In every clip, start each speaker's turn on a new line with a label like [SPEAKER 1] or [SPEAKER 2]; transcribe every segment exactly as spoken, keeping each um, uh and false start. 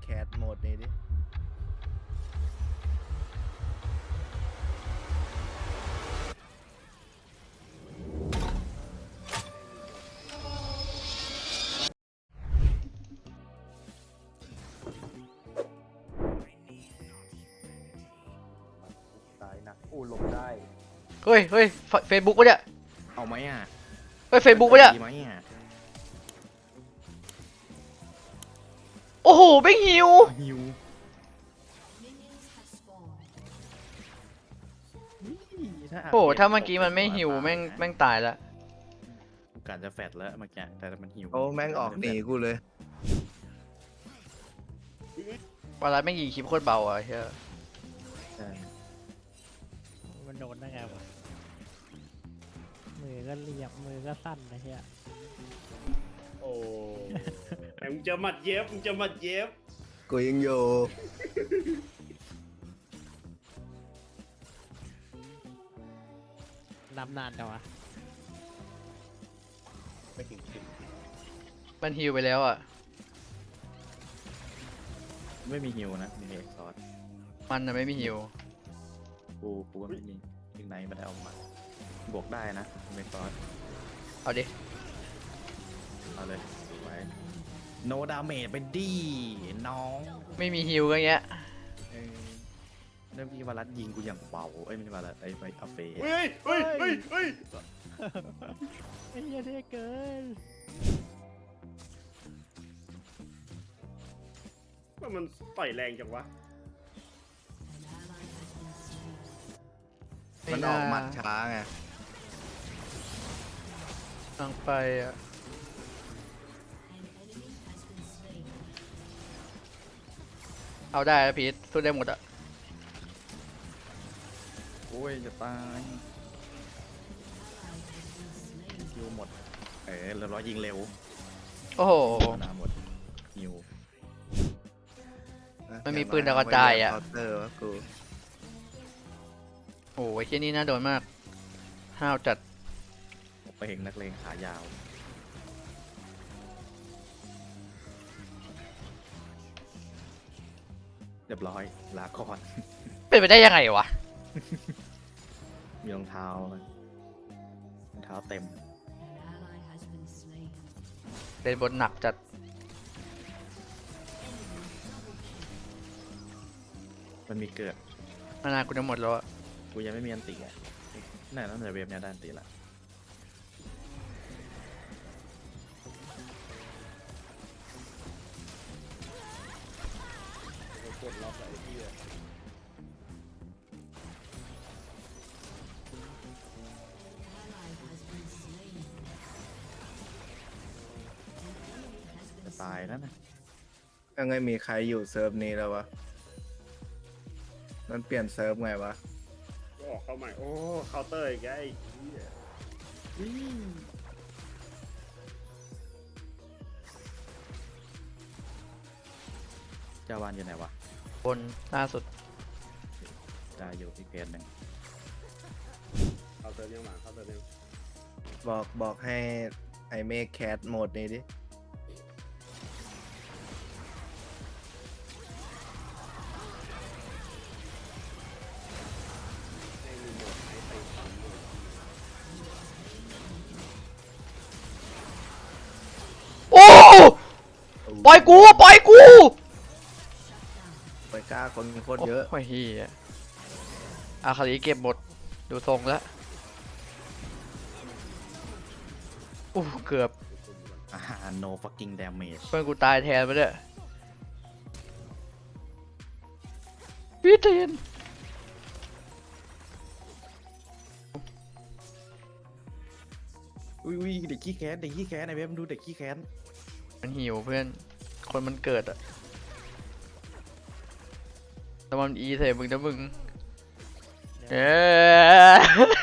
[SPEAKER 1] แคสโหมดนี้ดิตายนะอู้หลบได้
[SPEAKER 2] เฮ้ยเฮ้ยเฟซบุ๊กปะเนี่ย
[SPEAKER 3] เอาไหมอ่ะ
[SPEAKER 2] เฮ้ยเฟซบุ๊กปะเนี่ย
[SPEAKER 3] ดีไหมอ่ะ
[SPEAKER 2] โอ้โหไม่หิว
[SPEAKER 3] หิว
[SPEAKER 2] โอ้ถ้าเมื่อกี้มันไม่หิวแม่งแม่งตายแล้ว
[SPEAKER 3] การจะแฟดแล้วเมื่อกี้แต่มันหิว
[SPEAKER 1] โอ้แม่งออกหนีกูเลย
[SPEAKER 2] เวลาแม่งยิงคลิปโคตรเบาอ่ะเฮ้ย
[SPEAKER 4] มันโดนได้ไงวะมือก็เรียบมือก็สั้นนะเฮีย
[SPEAKER 5] โอ้แต่มึงจะมัดเย็บมึงจะมัดเย็บ
[SPEAKER 1] กูยังอยู่
[SPEAKER 4] นำนานจังวะ
[SPEAKER 5] ไม่ถึงถึง
[SPEAKER 2] มันฮิวไปแล้วอ่ะ
[SPEAKER 3] ไม่มีฮิวนะมีเอกซอส
[SPEAKER 2] มันน่ะไม่มีฮิว
[SPEAKER 3] กูกูก็ไม่มียิงไหนมาได้เอามาบวกได้นะเอกซอส
[SPEAKER 2] เอาดิ
[SPEAKER 3] เอาเลยไว้โนดาเมจไปดีน้อง
[SPEAKER 2] ไม่มีฮิวก็เงี้ย
[SPEAKER 3] เริ่มที่วารัสยิงกูอย่างเบาเอ้ยไม่ใช่วารัสไอ้ไอ้อาเฟ่
[SPEAKER 5] เฮ้ยเฮ้ยเฮ้ยเฮ้ย
[SPEAKER 4] ไอ้เหี้ยเท่เกิน
[SPEAKER 5] ว่ามันต่อยแรงจังวะ
[SPEAKER 1] มันออกหมัดช้าไง
[SPEAKER 2] ตั้งไปอ่ะเอาได้แล้วพีทสู้ได้หมดอ่ะ
[SPEAKER 3] โอ้ยจะตายฮิวหมดเออเรียบร้อยยิงเร็ว
[SPEAKER 2] โอ้โห
[SPEAKER 3] นาหมดฮิว
[SPEAKER 2] มันมีปืนดาวกระจายอ่ะ
[SPEAKER 1] เตอร์วะกู
[SPEAKER 2] โอ้ยแค่นี้น่าโดนมากห้าวจัด
[SPEAKER 3] ไปเห็นนักเลงขายาวเรียบร้อยลาก่อน
[SPEAKER 2] เป็นไปได้ยังไงวะ
[SPEAKER 3] มีรองเท้าไหมรองเท้าเต็ม
[SPEAKER 2] เล่นบนหนักจัด
[SPEAKER 3] มันมีเกิด
[SPEAKER 2] มานากูจะหมดแล้วอ่ะ
[SPEAKER 3] กูยังไม่มีอันตีอ่ะนั่นนั่นเลยเวฟเนี่ยได้อันตีละ
[SPEAKER 5] กดล็อกไอ้ที่
[SPEAKER 3] จะตายแล้วนะ
[SPEAKER 1] ยังไงมีใครอยู่เซิร์ฟนี้แล้ววะมันเปลี่ยนเซิร์ฟไงวะ
[SPEAKER 5] ก็ออกเข้าใหม่โอ้เคาน์เตอร์อีกไอ้
[SPEAKER 3] เจ้าวานอยู่ไหนวะ
[SPEAKER 2] บนล่าสุด
[SPEAKER 3] จะอยู่ที่เพจหนึ่ง
[SPEAKER 5] เคาน์เตอร์ยังมาเคาน์เตอร์ยัง
[SPEAKER 1] บอกบอกให้ไอเมฆแคสโหมดนี้ดิ
[SPEAKER 2] โอ้ปล่อยกูปล่อยกู
[SPEAKER 1] ไปกล้าคนโคตรเยอะ
[SPEAKER 2] โอ้ยเฮียอาคาริเก็บหมดดูทรงแล้วอู้เกือบ
[SPEAKER 3] อ่า no fucking damage
[SPEAKER 2] เพื่อนกูตายแทนไปเลยพี่เทน
[SPEAKER 3] อุ้ยอุ้ยเด็กขี้แค้นเด็กขี้แค้นไอ้เว็บมันดูเด็กขี้แค้น
[SPEAKER 2] มันหิวเพื่อนคนมันเกิดอะแต่มันอีใส่มึงนะมึงเอ๊ะ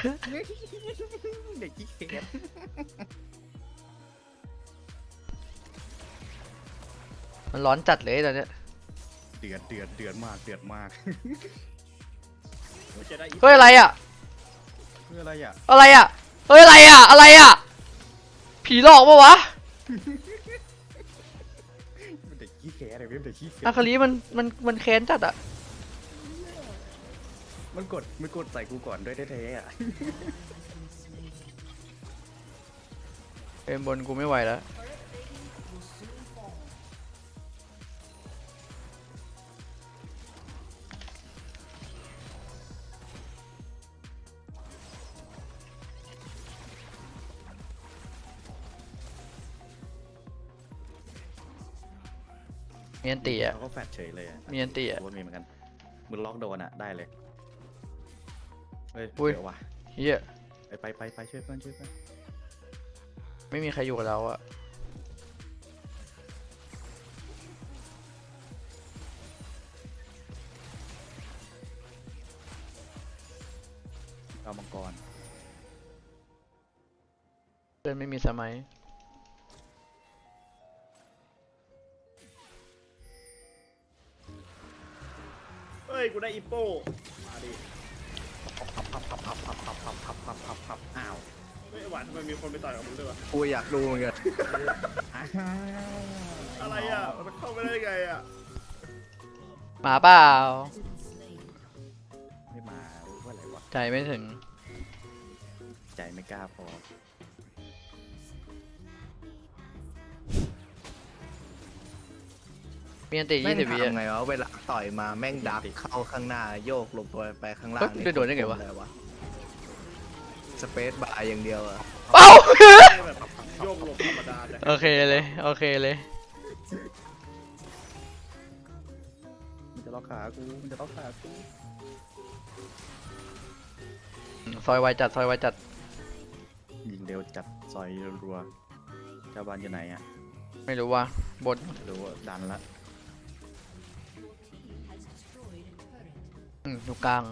[SPEAKER 3] เด็กขี้แค้น
[SPEAKER 2] มันร้อนจัดเลยตอนเนี้ย
[SPEAKER 3] เดือดเดือดเดือดมากเดือดมาก
[SPEAKER 2] เฮ้ยอะไรอ่ะ
[SPEAKER 3] เฮ้ยอะไรอ่ะ
[SPEAKER 2] อะไรอ่ะเฮ้ยอะไรอ่ะอะไรอ่ะผีหลอกปะวะ
[SPEAKER 3] เด็กขี้แค้นเลยเว็บเด็กขี้เกีย
[SPEAKER 2] อา
[SPEAKER 3] จ
[SPEAKER 2] คาลีมันมันมันแค้นจัดอะ
[SPEAKER 3] มันกดมันกดใส่กูก่อนด้วยแท้ๆอ่ะ
[SPEAKER 2] เอ็มบนกูไม่ไหวแล้วมีอันตีอะ
[SPEAKER 3] เขาก็แฟดเฉยเลยอ่ะ
[SPEAKER 2] มีอันตีอะ
[SPEAKER 3] ว่ามีเหมือนกันมึงล็อกโดนอ่ะได้เลยเฮ้ย
[SPEAKER 2] อุ้ย
[SPEAKER 3] เดี๋ยวว่ะ
[SPEAKER 2] เฮีย
[SPEAKER 3] ไปไปไปไปช่วยเพื่อนช่วยเพื่อน
[SPEAKER 2] ไม่มีใครอยู่กับเราอะ
[SPEAKER 3] เอามังกร
[SPEAKER 2] เพื่อนไม่มีสมัย
[SPEAKER 5] เฮ้ย กูได้อีโป้มาดิ
[SPEAKER 3] พับพับพับพับพับพับพับพับพับพับอ้าว
[SPEAKER 5] เฮ้ยหวานทำไมมีคนไปต่อยกับมึงด้วยวะ
[SPEAKER 1] กูอยากดูเหมือนกัน
[SPEAKER 3] อ้าว
[SPEAKER 5] อะไรอ่ะ มันเข้าไปได้ไงอ่ะ
[SPEAKER 2] หมาเปล่า
[SPEAKER 3] ไม่มาว่าอะไรวะ
[SPEAKER 2] ใจไม่ถึง
[SPEAKER 3] ใจไม่กล้าพอ
[SPEAKER 2] มีอันตี
[SPEAKER 1] แม่
[SPEAKER 2] ยี่
[SPEAKER 1] ง
[SPEAKER 2] สิบวิ
[SPEAKER 1] ทำไงวะเวลาต่อยมาแม่งดักเข้าข้างหน้าโยกหลบตัวไปข้างล่าง
[SPEAKER 2] เฮ้ยโดนได้ไงวะ
[SPEAKER 1] วะสเปซบาร์อย่างเดียวอะ
[SPEAKER 2] เอ้า
[SPEAKER 5] แค่แบบโยกหลบธรรมดาเลย
[SPEAKER 2] โอเคเลยโอเคเลย
[SPEAKER 3] มันจะล็อกขากูมันจะล็อกขากู
[SPEAKER 2] ซอยไวจัดซอยไวจัด
[SPEAKER 3] ยิงเร็วจัดซอยรัวๆเจ้าบ้านอยู่ไหนอ่ะ
[SPEAKER 2] ไม่รู้ว่าบน
[SPEAKER 3] รู้ว่าดันละ
[SPEAKER 2] อืมอยู่กลาง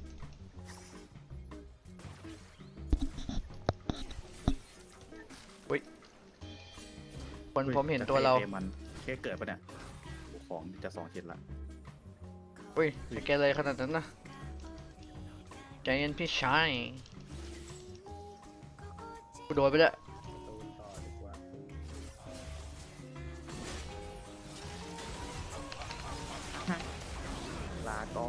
[SPEAKER 2] อุ้ยคนผมเห็นตัวเรา
[SPEAKER 3] จะมันแค่เกิดปะเนี่ยของจะสองชิ้นละ
[SPEAKER 2] อุ้ยจะแกเลยขนาดนั้นนะใจเย็นพี่ชายกูโดนไปแล้ว
[SPEAKER 5] ต่อดีกว่า
[SPEAKER 3] ลาก่อน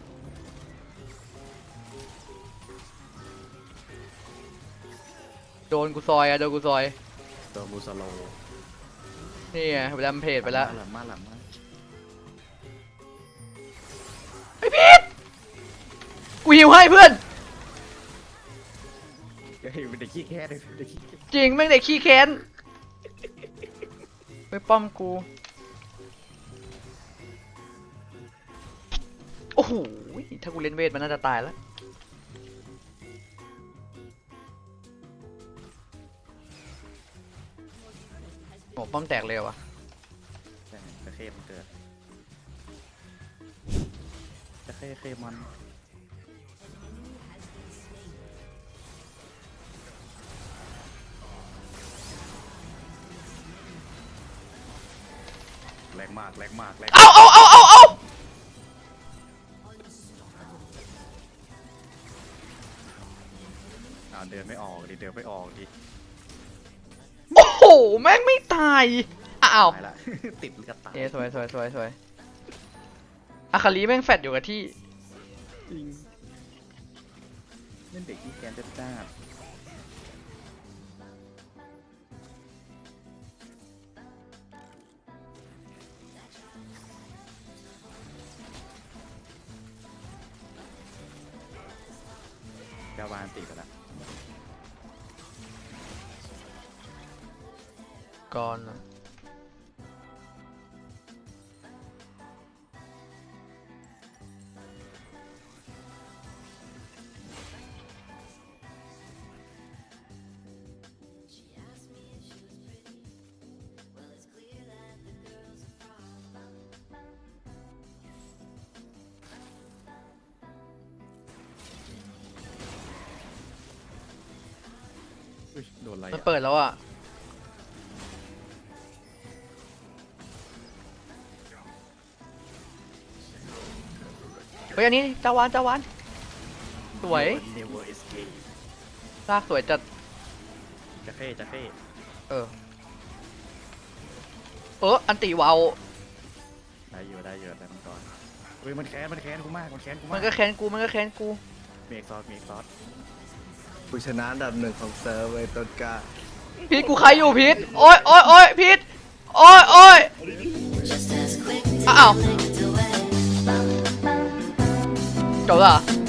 [SPEAKER 2] โดนกูซอยอะโดนกูซอย
[SPEAKER 3] ตัวมูสโล
[SPEAKER 2] นี่ไงไปดำเพจไปแล้ว
[SPEAKER 3] หลังมาหลังมา
[SPEAKER 2] กูหิวให้เพื่อน
[SPEAKER 3] เฮ้ยเป็นเด็กขี้แค่เลยเป็นเด็กขี้แค่
[SPEAKER 2] จริงแม่งเด็กขี้แค้นไปป้อมกู โอ้โห ถ้ากูเล่นเวทมันน่าจะตายแล้ว โอ้ป้อมแตกเลยเหรอวะ
[SPEAKER 3] ใช่จะเข้มันเกิดจะเข้เข้มันแรงมากแรงมากแรง
[SPEAKER 2] เอาเอาเอาเอาเอา
[SPEAKER 3] อ่าเดินไม่ออกดิเดินไม่ออกดิ
[SPEAKER 2] โอ้โห แม่งไม่ตาย อ้าว
[SPEAKER 3] ตายละ ติดกระต่าย
[SPEAKER 2] เอ้สวยสวยสวยสวยอาคาลีแม่งแฟดอยู่กับที่
[SPEAKER 3] จริงเล่นเด็กที่แกนจะจ้าดกาวานติดกันละ
[SPEAKER 2] ก่อน
[SPEAKER 3] อุ๊ยโดนอะไร
[SPEAKER 2] มัน
[SPEAKER 3] อ่ะ
[SPEAKER 2] เปิดแล้วอ่ะ เฮ้ยอันนี้จาวานจาวานสวย
[SPEAKER 3] เนเวอร์เอสเค
[SPEAKER 2] ลากสวยจัด
[SPEAKER 3] จะเข้จะเข้
[SPEAKER 2] เออ เอออันติวาว
[SPEAKER 3] ได้อยู่ได้อยู่ได้มังกรเฮ้ยมันแค้นมันแค้นกูมากมันแค้นกู
[SPEAKER 2] มั
[SPEAKER 3] มาน ก
[SPEAKER 2] ก็แค้นกูมันก็แค้นกู
[SPEAKER 3] มีเอกซอสมีเอกซอส
[SPEAKER 1] ผู้ชนะอันดับหนึ่งของเซิร์ฟเว้ยต้นกล้า
[SPEAKER 2] พีทกูใครอยู่พีทโอ้ยโอ้ยโอ้ยพีทโอ้ยโอ้ยอ้าวจบแล้วเหรอ